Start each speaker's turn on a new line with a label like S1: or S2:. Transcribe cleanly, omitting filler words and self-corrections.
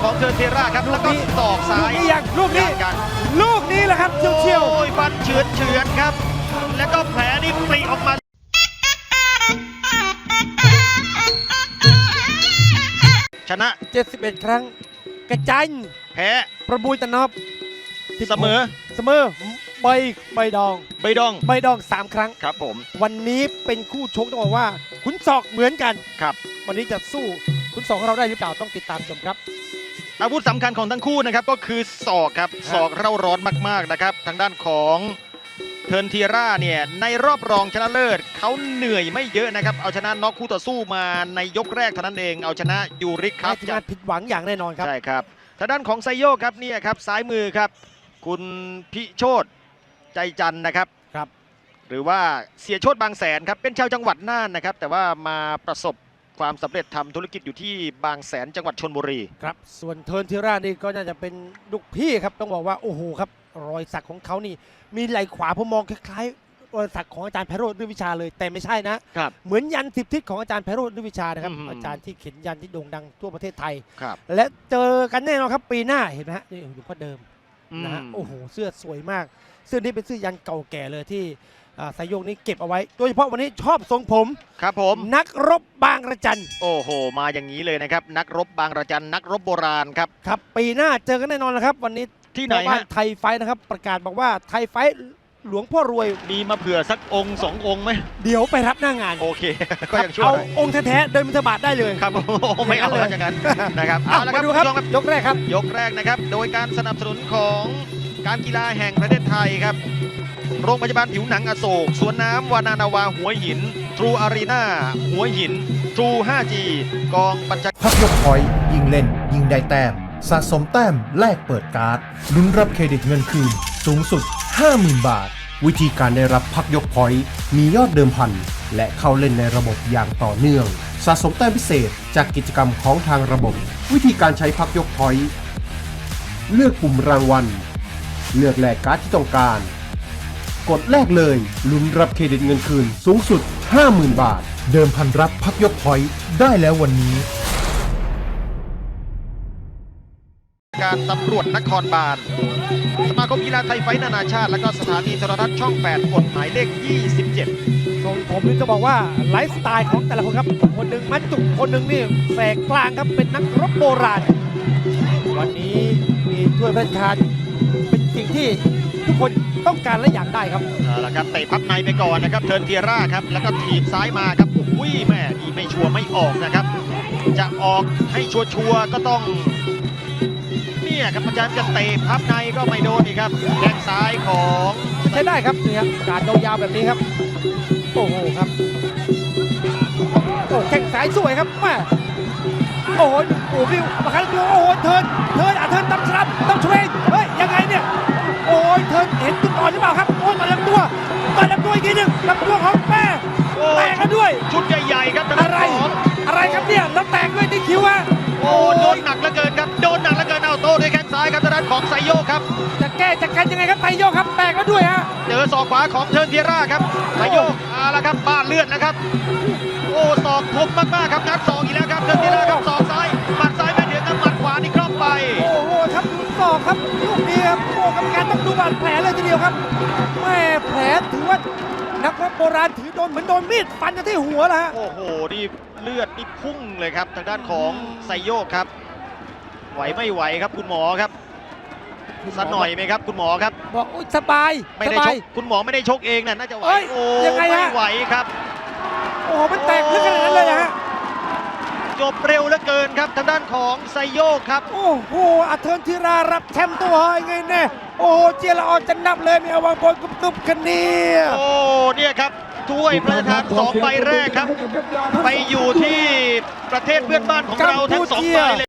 S1: ของเทอร์เทราครับแล้วก็ศอกซ้าย
S2: ลูกนี้แหละครับเฉียว
S1: โอ้ยฟันเฉือนครับแล้วก็แผลนี่ปริออกมาชนะ
S2: 71 ครั้งกระจัน
S1: แพ้
S2: ประบุยตะนอบ
S1: เสมอ
S2: ใบดอง3 ครั้ง
S1: ครับผม
S2: วันนี้เป็นคู่ชกต้องบอกว่าขุนศอกเหมือนกัน
S1: ครับ
S2: วันนี้จะสู้ขุนศอกของเราได้หรือเปล่าต้องติดตามชมครับ
S1: อาวุธสำคัญของทั้งคู่นะครับก็คือศอกครับศอกเร่าร้อนมากๆนะครับทางด้านของเทิร์นทีร่าเนี่ยในรอบรองชนะเลิศเขาเหนื่อยไม่เยอะนะครับเอาชนะน็อกคู่ต่อสู้มาในยกแรกเท่านั้นเองเอาชนะยูริกครับ
S2: จะผิดหวังอย่างแน่นอนครับ
S1: ใช่ครับทางด้านของไซโยกครับเนี่ยครับซ้ายมือครับคุณพิโชตใจจันนะครับหรือว่าเสียโชตบางแสนครับเป็นชาวจังหวัดน่านนะครับแต่ว่ามาประสบความสำเร็จทำธุรกิจอยู่ที่บางแสนจังหวัดชลบุรี
S2: ครับส่วนเทิร์นทีร่านี่ก็น่าจะเป็นลูกพี่ครับต้องบอกว่าโอ้โหครับรอยสักของเขานี่มีไหล่ขวาผมมองคล้ายๆรอยสักของอาจารย์ไพโรจน์ฤทธิวิชาเลยแต่ไม่ใช่นะเหมือนยัน10 ทิศของอาจารย์ไพโรจน์ฤทธิวิชานะครับอาจารย์ที่เขียนยันที่โด่งดังทั่วประเทศไทยและเจอกันแน่นอนครับปีหน้าเห็นไหมฮะนี่อยู่พ่อเดิมนะฮะโอ้โหเสื้อสวยมากเสื้อนี้เป็นเสื้อยันเก่าแก่เลยที่สายโยกนี้เก็บเอาไว้โดยเฉพาะวันนี้ชอบทรงผม
S1: ครับผม
S2: นักรบบางระจัน
S1: โอ้โหมาอย่างนี้เลยนะครับนักรบบางระจันนักรบโบราณครับ
S2: ครับปีหน้าเจอกันแน่นอนนะครับวันนี้
S1: ที่ไหนฮะ
S2: ไทยไฟนะครับประกาศบอกว่าไทยไฟหลวงพ่อรวย
S1: มีมาเผื่อสักองค์2 องค์ไหม
S2: เดี๋ยวไปรับหน้างาน
S1: โอเคก็ยังช่วย
S2: เอาองค์แท้ๆเดินบิณฑบาตได้เลย
S1: ครับไม่เอาอย่างนั้นนะครับเอาละครับ
S2: ดูครับยกแรกครับ
S1: ยกแรกนะครับโดยการสนับสนุนของการกีฬาแห่งประเทศไทยครับโรงพยาบาลผิวหนังอโศกสวนน้ำวานานาวาหัวหินทรูอารีนาหัวหินทรู 5G กองบัญชา
S3: พักยกพอยต์ยิงเล่นยิงได้แต้มสะสมแต้มแลกเปิดการ์ดลุ้นรับเครดิตเงินคืนสูงสุด 50,000 บาทวิธีการได้รับพักยกพอยต์มียอดเดิมพันและเข้าเล่นในระบบอย่างต่อเนื่องสะสมแต้มพิเศษจากกิจกรรมของทางระบบวิธีการใช้พักยกพอยต์เลือกปุ่มรางวัลเลือกแลกการ์ดที่ต้องการกดแลกเลยลุ้นรับเครดิตเงินคืนสูงสุด 50,000 บาทเดิมพันรับพักยกพอยต์ได้แล้ววันนี้
S1: การตำรวจนครบาลสมาคมกีฬาไทยไฟท์นานาชาติและก็สถานีโทรทัศน์ช่อง 8 กฎหมายเลข 27
S2: ทรงผมนี่จะบอกว่าไลฟ์สไตล์ของแต่ละคนครับคนหนึ่งมัดจุกคนหนึ่งนี่แสกกลางครับเป็นนักรบโบราณวันนี้มีถ้วยพระราชทานเป็นสิ่งที่ทุกคนต้องการและอยากได้ครับ
S1: เอาละครับเตะพับในไปก่อนนะครับเทิร์นเทียร่าครับแล้วก็ถีบซ้ายมาครับอุ้ยแม่นี่ไม่ชัวร์ไม่ออกนะครับจะออกให้ชัวร์ก็ต้องเนี่ยครับอาจารย์จะเตะพับในก็ไม่โดนอีกครับแข้งซ้ายของ
S2: ใช้ได้ครับนี่ครับการยาวๆแบบนี้ครับโอ้โหครับโอ้แข้งซ้ายสวยครับแม่โอ้โหโอ้วิวมาคันตัวโอ้โหเทิร์นตั้มสลับตั้มช่วยเฮ้ยยังไงเนี่ยโอ้ยเทิร์นเห็นจุดอ่อนหรือเปล่าครับโอ้ยต่อยลำตัวอีกทีหนึ่งลำตัวของแม่แตกกันด้วย
S1: ชุดใหญ่ๆครับ
S2: อะไรครับเนี่ยแล้วแตกด้วยที่คิ้วอะ
S1: โอ้โดนหนักเหลือเกินครับโดนหนักเหลือเกินเอาโต้ด้วยแข้งซ้ายครับทางด้านของไซโยกครับ
S2: จะแก้จะกันยังไงครับไซโยกครับแตกแล้วด้วยฮะ
S1: เจอศอกขวาของเทิร์นเทียร่าครับไซโยกเอาละครับบ้านเลือดนะครับโอ้ศอกคมมากๆครับงัดศอกอีกแล้วครับเทิร์นเทียร่าครับศอกซ้ายหมัดซ้ายไม่เดือดครับหมัดขวานี่คล่อมไป
S2: โอ้โหครับดูศอกครับลูกนี้ครับโอ้กรรมการต้องดูบาดแผลเลยทีเดียวครับแม่แผลถือว่านักรบโบราณถือโดนเหมือนโดนมีดฟันกันที่หัวแล้วฮะ
S1: โอ้โหนี่เลือดนี่พุ่งเลยครับทางด้านของไซโยกครับไหวไม่ไหวครับคุณหมอครับสักหน่อยไหมครับคุณหมอครับ
S2: บอกอุ้ยสบาย
S1: ไม่ได้ชกคุณหมอไม่ได้ชกเองน่าจะไหวโอ้
S2: ยังไง
S1: ไม่ไหวครับ
S2: โอ้มันแตกลึกขนาดนั้นเลยฮะ
S1: จบเร็วเหลือเกินครับทางด้านของไซโยกครับ
S2: โอ้โหเทิร์นทีรารับแชมป์ตัวไงแน่โอ้เจรอจะนับเลยมีอวังบอลกุบกันเนี่ย
S1: โอ้เนี่ยครับถ้วยพระราชทาน2 ใบแรกครับไปอยู่ที่ประเทศเพื่อนบ้านของเราทั้ง2 ใบเลย